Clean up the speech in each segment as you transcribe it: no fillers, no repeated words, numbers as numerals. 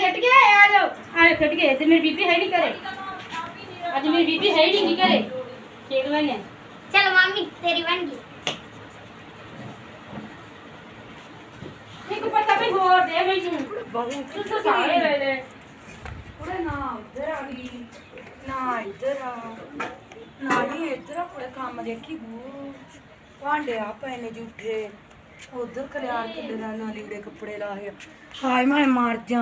ਖੇਡ ਕੇ ਆ ਜਾਓ ਖੇਡ ਕੇ ਤੇ ਮੇਰੀ ਬੀਬੀ ਹੈ ਨਹੀਂ ਘਰੇ ਅੱਜ ਮੇਰੀ ਬੀਬੀ ਹੈ ਹੀ ਨਹੀਂ ਘਰੇ ਖੇਡ ਲੈਣੇ चल मम्मी तेरी बन गई ਇੱਕ ਪਤਾ ਵੀ ਹੋਰ ਦੇ ਮੈਨੂੰ बहुत ਤੂੰ ਤਾਂ ਸਾਰੇ ਵੇਲੇ पूरे ना उधर आ गई ना इधर आ ना ही इधर पूरे काम देखी बू भांडे आ पैने जूठे उधर खलियार किल्ले ना लीड़े कपड़े लाए हाय मैं मर जा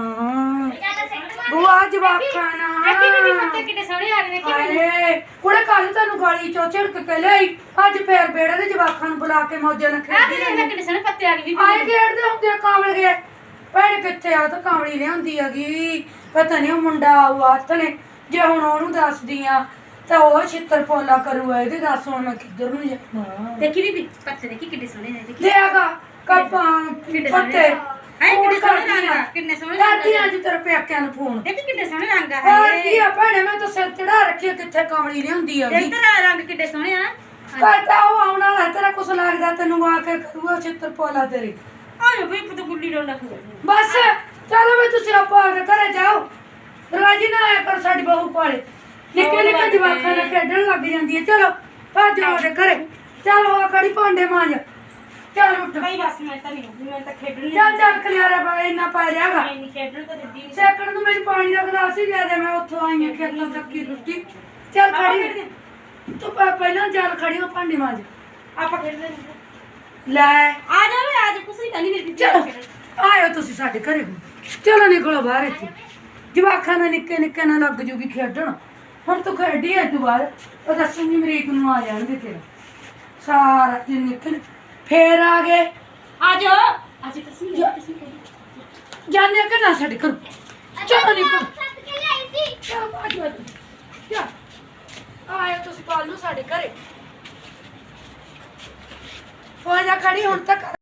बुआ जवाब खाना ਅੱਗੇ ਵੀ ਪੱਤੇ ਕਿੱਡੇ ਸੋਹਣੇ ਆ ਗਏ ਦੇਖੀ ਹਾਏ ਕੁੜੇ ਕੱਲ ਤੈਨੂੰ ਗਾਲੀ ਚੋਂ ਝਿੜਕ ਕੇ ਲਈ ਅੱਜ ਫੇਰ ਬੇੜੇ ਦੇ ਜਵਾਕਾਂ ਨੂੰ ਬੁਲਾ ਕੇ ਮੌਜਾਂ ਨਾਲ ਆ ਖੇਡੀ ਦੇਖ ਕਿੱਡੇ ਸੋਹਣੇ ਪੱਤੇ ਆ ਗਏ ਆਏ ਖੇਡਦੇ ਹੁੰਦੇ ਆ ਕਾਂਵਲ ਗਏ ਭੈਣ ਕਿੱਥੇ ਆ ਤਾਂ ਕਾਂਵਲੀ ਲਿਆਉਂਦੀ ਹੈਗੀ ਪਤਾ ਨਹੀਂ ਉਹ ਮੁੰਡਾ ਆਊ ਹੱਥ ਨੇ ਜੇ ਹੁਣ ਉਹਨੂੰ ਦੱਸਦੀ ਆ ਤਾਂ ਉਹ ਛਿੱਤਰ ਪੋਲਾ ਕਰੂਗਾ ਇਹਦੇ ਦੱਸ ਹੁਣ ਮੈਂ ਕਿੱਧਰ ਨੂੰ ਜਾਵਾਂ ਦੇਖੀ ਬੀਬੀ ਪੱਤੇ ਦੇਖੀ ਕਿੱਡੇ ਸੋਹਣੇ ਨੇ ਦੇਖੀ ਲਿਆਗਾ ਕੱਪਾਂ ਪੱਤੇ ਹਾਏ ਕਿੱਡੇ ਸੋਹਣੇ ਰੰਗ ਆ ਕਿੰਨੇ ਸੋਹਣੇ ਰੰਗ ਕਰਦੀ ਅੱਜ ਤੇਰੇ ਪੇਕਿਆਂ ਨੂੰ ਫੋਨ ਦੇਖੀ ਕਿੱਡੇ ਸੋਹਣੇ ਰੰਗ ਆ ਹੋਰ ਕੀ ਆ ਭੈਣੇ ਮੈਂ ਤਾਂ ਸਿਰ ਚੜਾ ਰੱਖੀ ਕਿੱਥੇ ਕਾਂਵਲੀ ਲਿਆਉਂਦੀ ਹੈਗੀ ਦੇਖ ਤੇਰਾ ਰੰਗ ਕਿੱਡੇ ਸੋਹਣੇ ਆ ਕਰਦਾ ਉਹ ਆਉਣ ਵਾਲਾ ਤੇਰਾ ਕੁਛ ਲੱਗਦਾ ਤੈਨੂੰ ਆ ਕੇ ਕਰੂਗਾ ਛਿੱਤਰ ਪੋਲਾ ਤੇਰੀ ਆਏ ਬਈ ਪਤਾ ਗੁੱਲੀ ਡੋਲਾ ਬਸ ਚਲੋ ਵੀ ਤੁਸੀਂ ਆਪੋ ਆਪਦੇ ਘਰੇ ਜਾਓ ਰਾਜੀ ਨਾ ਆਇਆ ਕਰ ਸਾਡੀ ਬਹੂ ਪਾਲੇ ਨਿੱਕੇ ਨਿੱਕੇ ਜਵਾਕਾਂ ਨਾਲ ਖੇਡਣ ਲੱਗ ਜਾਂਦੀ ਹੈ ਚਲੋ ਭੱਜੋ ਉਹਦੇ ਘਰੇ ਚਲੋ ਆ ਕੜੀ ਭਾਂਡੇ ਮਾਂਜ ਚੱਲ ਉੱਠ ਭਾਈ ਬਸ ਮੈਂ ਤਾਂ ਨਹੀਂ ਮੈਂ ਤਾਂ ਖੇਡਣ ਨਹੀਂ ਚੱਲ ਚੱਲ ਖਲਿਆਰਾ ਬਾ ਇੰਨਾ ਪਾ ਰਿਹਾਗਾ ਮੈਂ ਨਹੀਂ ਖੇਡਣ ਤਾਂ ਦਿੱਦੀ ਨਹੀਂ ਸੈਕੰਡ ਨੂੰ ਮੈਨੂੰ ਪਾਣੀ ਦਾ ਗਲਾਸ ਹੀ ਦੇ ਦੇ ਮੈਂ ਉੱਥੋਂ ਆਈ ਹਾਂ ਖੇਤਾਂ ਤੱਕੀ ਰੁੱਟੀ ਚੱਲ ਖੜੀ ਤੂੰ ਪਹਿਲਾਂ ਚੱਲ ਖੜੀ ਹੋ ਭਾਂਡੇ ਮਾਂਜ ਆਪਾਂ ਖੇਡ ਲੈਂਦੇ ਲੈ ਆ ਜਾ ਵੇ ਅੱਜ ਕੁਛ ਨਹੀਂ ਕਰਨੀ ਮੇਰੀ ਚਲੋ ਆਇਓ ਤੁਸੀਂ ਸਾਡੇ ਘਰੇ ਚਲੋ ਨਿਕਲੋ ਬਾਹਰ ਇੱਥੇ ਜਵਾਕਾਂ ਨਾਲ ਨਿੱਕੇ ਨਿੱਕੇ ਨਾਲ ਲੱਗ ਜੂਗੀ ਖੇਡਣ ਹੁਣ ਤੂੰ ਖੇਡੀ ਐ ਤੂੰ ਬਾਹਰ ਉਹ ਦੱਸੂਗੀ ਮਰੀਕ ਨੂੰ ਆ ਜਾਣਗੇ ਤੇਰਾ ਸਾਰਾ ਦਿਨ ਨਿਕਲ ਫੇਰ ਆ ਗਏ ਆ ਜਾ ਅੱਜ ਤੁਸੀਂ ਜਾਣੇ ਕਿ ਨਾ ਸਾਡੇ ਘਰ ਚਲੋ ਨਿਕਲ सत के लाई थी ਚਲੋ ਆਜੋ ਚਲ ਆਇਓ ਤੁਸੀਂ ਕੱਲ ਨੂੰ ਸਾਡੇ ਘਰੇ ਹੋ ਜਾ ਖੜੀ ਹੁਣ ਤੱਕ